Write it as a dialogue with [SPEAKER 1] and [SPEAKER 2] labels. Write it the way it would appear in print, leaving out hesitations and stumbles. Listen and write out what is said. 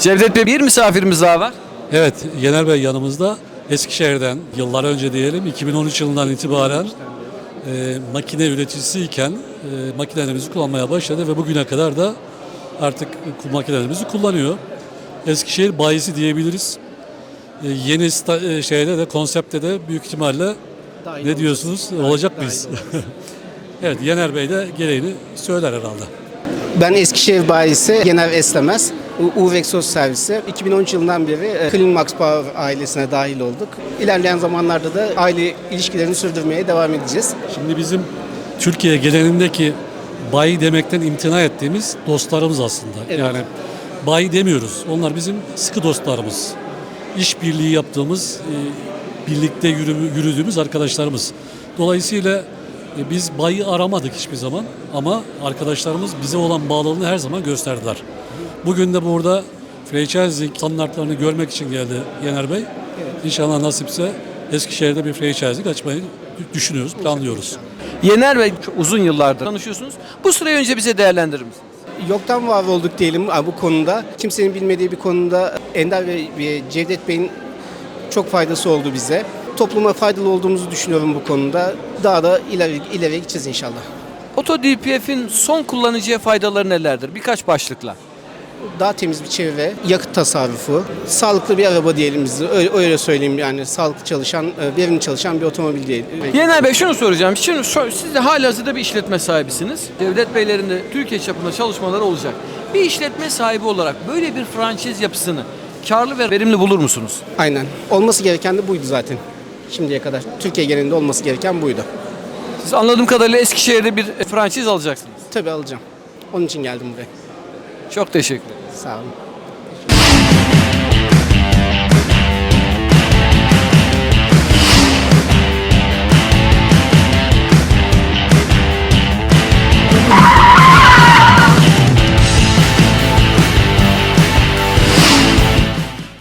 [SPEAKER 1] Cevdet Bey, bir misafirimiz daha var.
[SPEAKER 2] Evet, Yener Bey yanımızda. Eskişehir'den yıllar önce diyelim 2013 yılından itibaren makine üreticisiyken makinelerimizi kullanmaya başladı ve bugüne kadar da artık makinelerimizi kullanıyor. Eskişehir bayisi diyebiliriz. Yeni şeyde de konseptte de büyük ihtimalle ne diyorsunuz? Olacak mıyız? Evet, Yener Bey de gereğini söyler herhalde.
[SPEAKER 3] Ben Eskişehir bayisi Yener Eslemez. Uvexos servisi. 2013 yılından beri Cleanmax Power ailesine dahil olduk. İlerleyen zamanlarda da aile ilişkilerini sürdürmeye devam edeceğiz.
[SPEAKER 2] Şimdi bizim Türkiye genelindeki bayi demekten imtina ettiğimiz dostlarımız aslında.
[SPEAKER 3] Evet.
[SPEAKER 2] Yani bayi demiyoruz. Onlar bizim sıkı dostlarımız. İşbirliği yaptığımız, birlikte yürüdüğümüz arkadaşlarımız. Dolayısıyla biz bayi aramadık hiçbir zaman ama arkadaşlarımız bize olan bağlılığını her zaman gösterdiler. Bugün de burada franchising standartlarını görmek için geldi Yener Bey.
[SPEAKER 3] Evet.
[SPEAKER 2] İnşallah nasipse Eskişehir'de bir franchising açmayı düşünüyoruz, planlıyoruz.
[SPEAKER 1] Yener Bey, çok uzun yıllardır tanışıyorsunuz. Bu süreyi önce bize değerlendirir misiniz?
[SPEAKER 3] Yoktan var olduk diyelim bu konuda. Kimsenin bilmediği bir konuda Ender ve Cevdet Bey'in çok faydası oldu bize. Topluma faydalı olduğumuzu düşünüyorum bu konuda. Daha da ileri gideceğiz inşallah.
[SPEAKER 1] Oto DPF'in son kullanıcıya faydaları nelerdir? Birkaç başlıkla.
[SPEAKER 3] Daha temiz bir çevre, yakıt tasarrufu, sağlıklı bir araba diyelim biz de. Öyle söyleyeyim, yani sağlıklı çalışan, verimli çalışan bir otomobil değil.
[SPEAKER 1] Yener Bey, şunu soracağım. Şimdi siz de halihazırda bir işletme sahibisiniz. Cevdet Beylerin de Türkiye çapında çalışmaları olacak. Bir işletme sahibi olarak böyle bir franchise yapısını karlı ve verimli bulur musunuz?
[SPEAKER 3] Aynen. Olması gereken de buydu zaten. Şimdiye kadar. Türkiye genelinde olması gereken buydu.
[SPEAKER 1] Siz anladığım kadarıyla Eskişehir'de bir franchise alacaksınız.
[SPEAKER 3] Tabii alacağım. Onun için geldim buraya.
[SPEAKER 1] Çok teşekkür ederim.
[SPEAKER 3] Sağ olun.